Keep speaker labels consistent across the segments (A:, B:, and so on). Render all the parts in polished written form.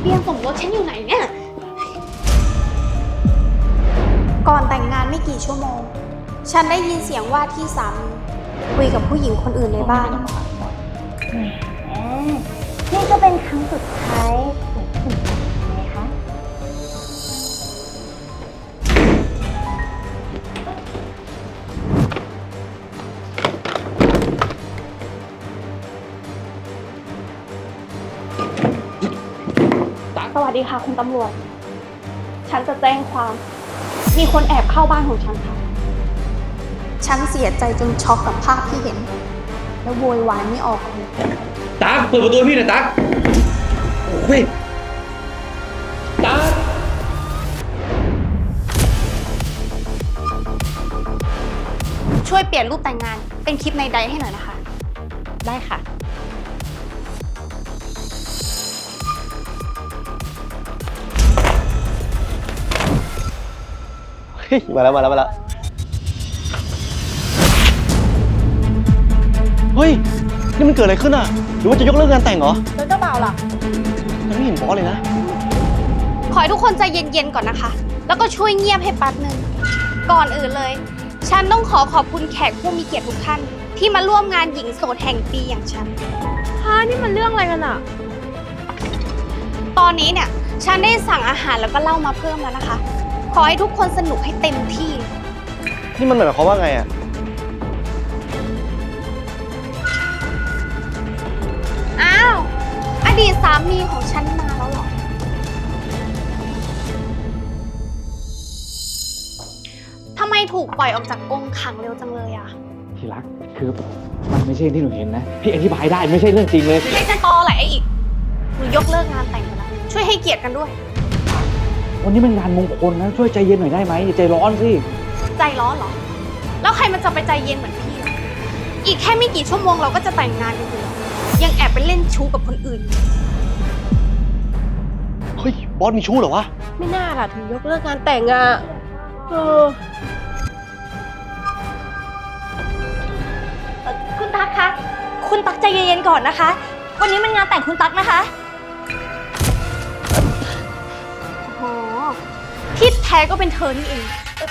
A: บียนสมรสฉันอยู่ไหนเนี่ย ก่อนแต่งงานไม่กี่ชั่วโมง ฉันได้ยินเสียงว่าที่สามีคุยกับผู้หญิงคนอื่นในบ้าน
B: นี่ก็เป็นครั้งสุดท้ายของคุณไหมคะ
A: สวัสดีค่ะคุณตำรวจ ฉันจะแจ้งความ มีคนแอบเข้าบ้านของฉันค่ะ ฉันเสียใจจนช็อกกับภาพที่เห็น แล้วโวยวายไม่ออกเลย
C: ตั๊กเปิดประตูพี่หน่อยตั๊กโอ้ยตั๊ก
A: ช่วยเปลี่ยนรูปแต่งงานเป็นคลิปในไดให้หน่อยนะคะ ได้ค่ะ
D: มาแล้วเฮ้ยนี่มันเกิดอะไรขึ้นอ่ะหรือว่าจะยกเลิกงานแต่งเหรอ
A: แล้วเจ้าบ่าวล่ะ
D: ยังไม่เห็นบอสเลยนะ
A: ขอให้ทุกคนใจเย็นๆก่อนนะคะ แล้วก็ช่วยเงียบให้แป๊บนึง ก่อนอื่นเลย ฉันต้องขอบคุณแขกผู้มีเกียรติทุกท่าน ที่มาร่วมงานหญิงโสดแห่งปีอย่างฉันนี่มันเรื่องอะไรกันอะตอนนี้เนี่ย ฉันได้สั่งอาหารแล้วก็เหล้ามาเพิ่มแล้วนะคะ ขอให้ทุกคนสนุกให้เต็มที่
D: นี่มันหมายความว่าไงอ่ะ
A: อ้าว อดีตสามีของฉันมาแล้วเหรอ ทำไมถูกปล่อยออกจากกรงขังเร็วจังเลยอะ
C: ที่รักคือมันไม่ใช่ที่หนูเห็นนะ พี่อธิบายได้ไม่ใช่เรื่องจริงเลย
A: ไม่จะตอแหละไอ้อีกหนูยกเลิกงานแต่งไปแล้ว ช่วยให้เกียรติกันด้วย
C: วันนี้มันงานมงคลนะช่วยใจเย็นหน่อยได้ไหมอย่าใจร้อนสิ
A: ใจร้อนเหรอ แล้วใครมันจะไปใจเย็นเหมือนพี่ล่ะอีกแค่ไม่กี่ชั่วโมงเราก็จะแต่งงานกันอยู่แล้วยังแอบไปเล่นชู้กับคนอื่น
D: เฮ้ยบอสมีชู้เหรอวะ
E: ไม่น่าล่ะถึงยกเลิกงานแต่งอ่ะ
B: คุณตั๊กคะ คุณตั๊กใจเย็นๆก่อนนะคะ วันนี้มันงานแต่งคุณตั๊กนะคะ
A: โอ้ที่แท้ก็เป็นเธอนี่เอง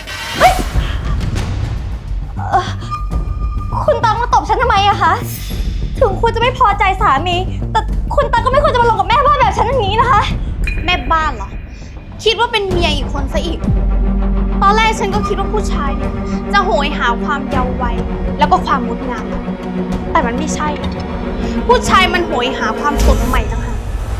B: คุณตั๊กมาตบฉันทำไมอะคะ ถึงคุณจะไม่พอใจสามี แต่คุณตั๊กก็ไม่ควรจะมาลงกับแม่บ้านแบบฉันอย่างนี้นะคะ
A: แม่บ้านเหรอ คิดว่าเป็นเมียอีกคนซะอีก ตอนแรกฉันก็คิดว่าผู้ชายเนี่ยจะโหยหาความเยาว์วัยแล้วก็ความงดงาม แต่มันไม่ใช่ ผู้ชายมันโหยหาความสดใหม่ต่างหาก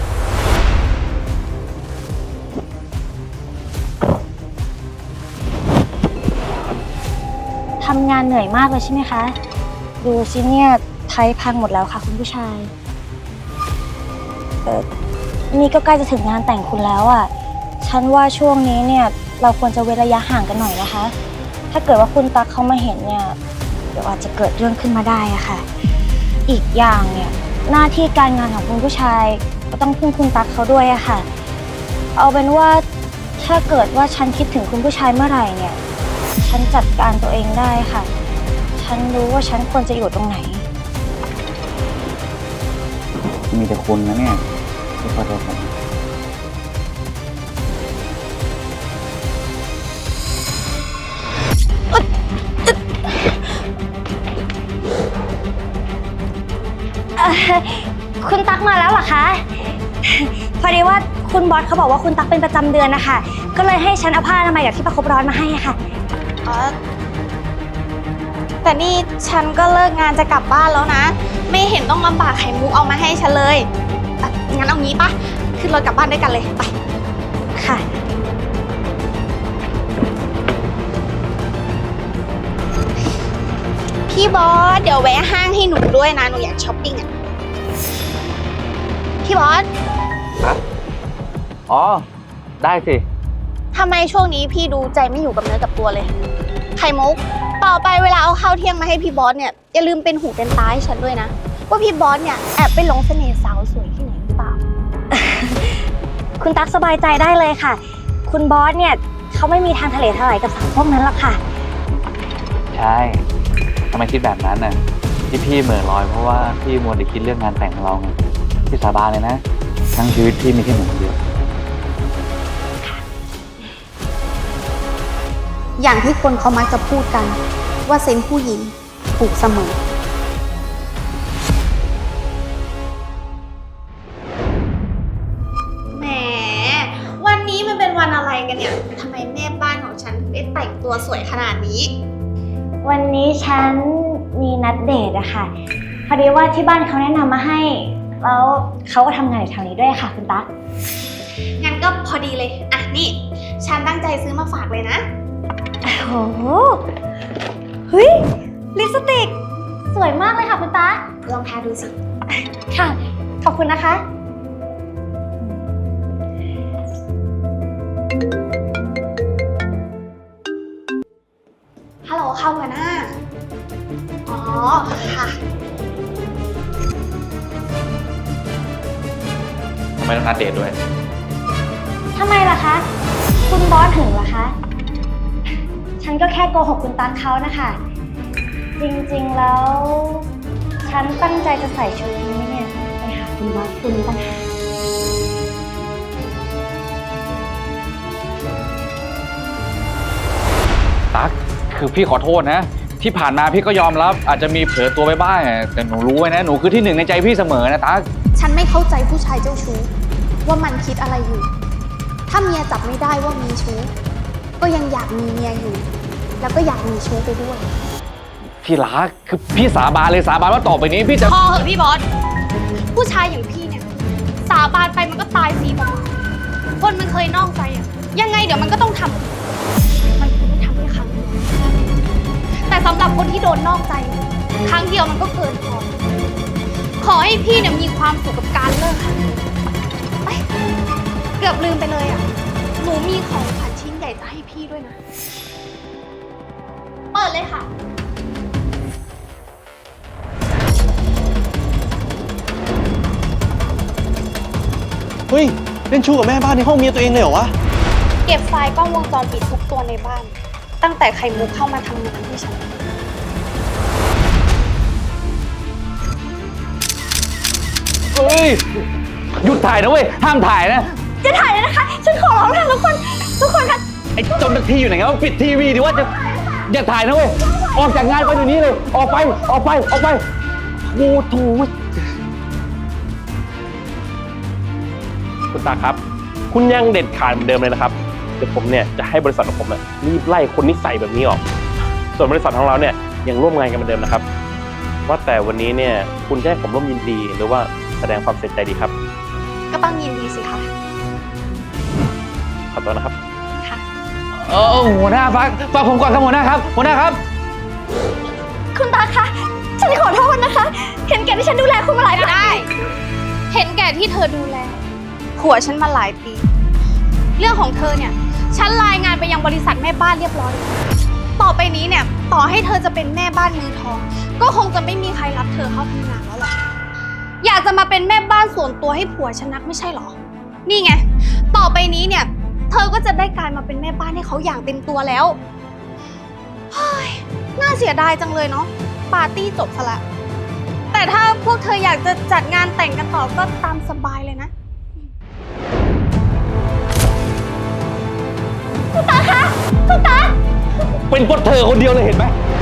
B: ทำงานเหนื่อยมากเลยใช่ไหมคะ ดูสิเนี่ยไทยพังหมดแล้วค่ะคุณผู้ชาย นี่ก็ใกล้จะถึงงานแต่งคุณแล้วอ่ะ ฉันว่าช่วงนี้เนี่ยเราควรจะเว้นระยะห่างกันหน่อยนะคะ ถ้าเกิดว่าคุณตั๊กเขามาเห็นเนี่ยเดี๋ยวอาจจะเกิดเรื่องขึ้นมาได้อะค่ะ อีกอย่างเนี่ยหน้าที่การงานของคุณผู้ชายก็ต้องพึ่งคุณตั๊กเขาด้วยอะค่ะ เอาเป็นว่าถ้าเกิดว่าฉันคิดถึงคุณผู้ชายเมื่อไหร่เนี่ย ฉันจัดการตัวเองได้ค่ะ ฉันรู้ว่าฉันควรจะอยู่ตรงไหน
C: มีแต่คุณนะเนี่ยที่พอใจผม
B: คุณตั๊กมาแล้วเหรอคะ พอดีว่าคุณบอสเขาบอกว่าคุณตั๊กเป็นประจำเดือนนะคะ ก็เลยให้ฉันเอาผ้าอนามัยกับที่ประคบร้อนมาให้ค่ะ
A: แต่นี่ฉันก็เลิกงานจะกลับบ้านแล้วนะ ไม่เห็นต้องลำบากไข่มุกเอามาให้ฉันเลยงั้นเอางี้ปะขึ้นรถกลับบ้านด้วยกันเลยไป
B: ค่ะ
A: พี่บอสเดี๋ยวแวะห้างให้หนูด้วยนะ หนูอยากช้อปปิ้งอ่ะ พี่บอส
C: อ๋อได้สิ
A: ทำไมช่วงนี้พี่ดูใจไม่อยู่กับเนื้อกับตัวเลย ไข่มุก ต่อไปเวลาเอาข้าวเที่ยงมาให้พี่บอสเนี่ยอย่าลืมเป็นหูเป็นตาให้ฉันด้วยนะ ว่าพี่บอสเนี่ยแอบไปหลงเสน่ห์สาวสวยที่ไหนหรือเปล่า
B: คุณตั๊กสบายใจได้เลยค่ะ คุณบอสเนี่ยเขาไม่มีทางทะเลทลายกับสาวพวกนั้นหรอกค่ะ
C: ใช่ทำไมคิดแบบนั้นน่ะที่พี่เหม่อลอยเพราะว่าพี่มัวแต่คิดเรื่องงานแต่งของเราไงพี่สาบานเลยนะทั้งชีวิตพี่มีแค่หนูคนเดียว
A: อย่างที่คนเขามักจะพูดกันว่าเซนส์ผู้หญิงถูกเสมอ แหม วันนี้มันเป็นวันอะไรกันเนี่ย ทำไมแม่บ้านของฉันถึงได้แต่งตัวสวยขนาดนี้
B: วันนี้ฉันมีนัดเดทอะค่ะ พอดีว่าที่บ้านเขาแนะนำมาให้ แล้วเขาก็ทำงานอยู่แถวนี้ด้วยค่ะคุณตั๊ก
A: งั้นก็พอดีเลย อ่ะนี่ ฉันตั้งใจซื้อมาฝากเลยนะ
B: โอ้โห เฮ้ย ลิปสติก สวยมากเลยค่ะคุณตั๊ก
A: ลองทาดูสิ
B: ค่ะ ขอบคุณนะคะ
A: ฮัลโหลค่ะหัวหน้า อ๋อ ค่ะ
C: ทำไมต้องนัดเดทด้วย
B: ทำไมล่ะคะ คุณบอสถึงล่ะคะ ฉันก็แค่โกหกคุณตั๊กเขานะคะ จริงๆแล้ว ฉันตั้งใจจะใส่ชุดนี้เนี่ยไปหาคุณบอสคุณต่างหาก
C: ตั๊กคือพี่ขอโทษนะ ที่ผ่านมาพี่ก็ยอมรับอาจจะมีเผลอตัวไปบ้างอะแต่หนูรู้ไว้นะหนูคือที่หนึ่งในใจพี่เสมอนะตั๊ก
A: ฉันไม่เข้าใจผู้ชายเจ้าชู้ว่ามันคิดอะไรอยู่ ถ้าเมียจับไม่ได้ว่ามีชู้ ก็ยังอยากมีเมียอยู่ แล้วก็อยากมีชู้ไปด้วย
C: พี่รักคือพี่สาบานเลยสาบานว่าต่อไปนี้พี่จะ
A: พอเหอะพี่บอส ผู้ชายอย่างพี่เนี่ย สาบานไปมันก็ตายฟรีเปล่าๆคนมันเคยนอกใจอะยังไงเดี๋ยวมันก็ต้องทำมันคงไม่ทำแค่ครั้งเดียวแต่สำหรับคนที่โดนนอกใจ ครั้งเดียวมันก็เกินพอ ขอให้พี่เนี่ยมีความสุขกับการเลิกครั้งนี้ไปเกือบลืมไปเลยอ่ะ หนูมีของขวัญชิ้นใหญ่จะให้พี่ด้วยนะ เปิดเลยค่ะ
D: เฮ้ย เล่นชู้กับแม่บ้านในห้องเมียตัวเองเลยเหรอวะ
A: เก็บไฟล์กล้องวงจรปิดทุกตัวในบ้าน ตั้งแต่ไข่มุกเข้ามาทำงานที่ฉัน
C: เฮ้ยหยุดถ่ายนะเว้ยห้ามถ่ายนะ
B: จะถ่ายเลยนะคะ ฉันขอร้องนะทุกคน ทุกคนคะ
C: ไอ้เจ้าหน้าที่อยู่ไหนกันวะปิดทีวีดิว่าจะอย่าถ่ายนะเว้ยออกจากงานไปเดี๋ยวนี้เลยออกไปออกไปออกไปโอ้โห
F: คุณตาครับ คุณยังเด็ดขาดเหมือนเดิมเลยนะครับ เดี๋ยวผมเนี่ยจะให้บริษัทของผมรีบไล่คนนิสัยแบบนี้ออก ส่วนบริษัทของเราเนี่ยยังร่วมงานกันเหมือนเดิมนะครับ ว่าแต่วันนี้เนี่ยคุณจะให้ผมร่วมยินดีหรือว่าแสดงความเสียใจดีครับ
A: ก็ต้องยินดีสิคะ
F: ขอตัวนะครับ
A: ค่ะ
C: หัวหน้าฟังผมก่อนครับหัวหน้าครับหัวหน้าครับ
B: คุณตาคะ ฉันขอโทษนะคะ เห็นแก่ที่ฉันดูแลคุณมาหลายปี
A: ได้ เห็นแก่ที่เธอดูแลผัวฉันมาหลายปี เรื่องของเธอเนี่ย ฉันรายงานไปยังบริษัทแม่บ้านเรียบร้อยแล้วต่อไปนี้เนี่ย ต่อให้เธอจะเป็นแม่บ้านมือทอง ก็คงจะไม่มีใครรับเธอเข้าทำงานแล้วหรอกอยากจะมาเป็นแม่บ้านส่วนตัวให้ผัวฉันนักไม่ใช่หรอ นี่ไง ต่อไปนี้เนี่ย เธอก็จะได้กลายมาเป็นแม่บ้านให้เขาอย่างเต็มตัวแล้วเฮ้ยน่าเสียดายจังเลยเนาะปาร์ตี้จบซะละแต่ถ้าพวกเธออยากจะจัดงานแต่งกันต่อก็ตามสบายเลยนะ
B: คุณตาคะ คุณตา
C: เป็นเพราะเธอคนเดียวเลยเห็นไหม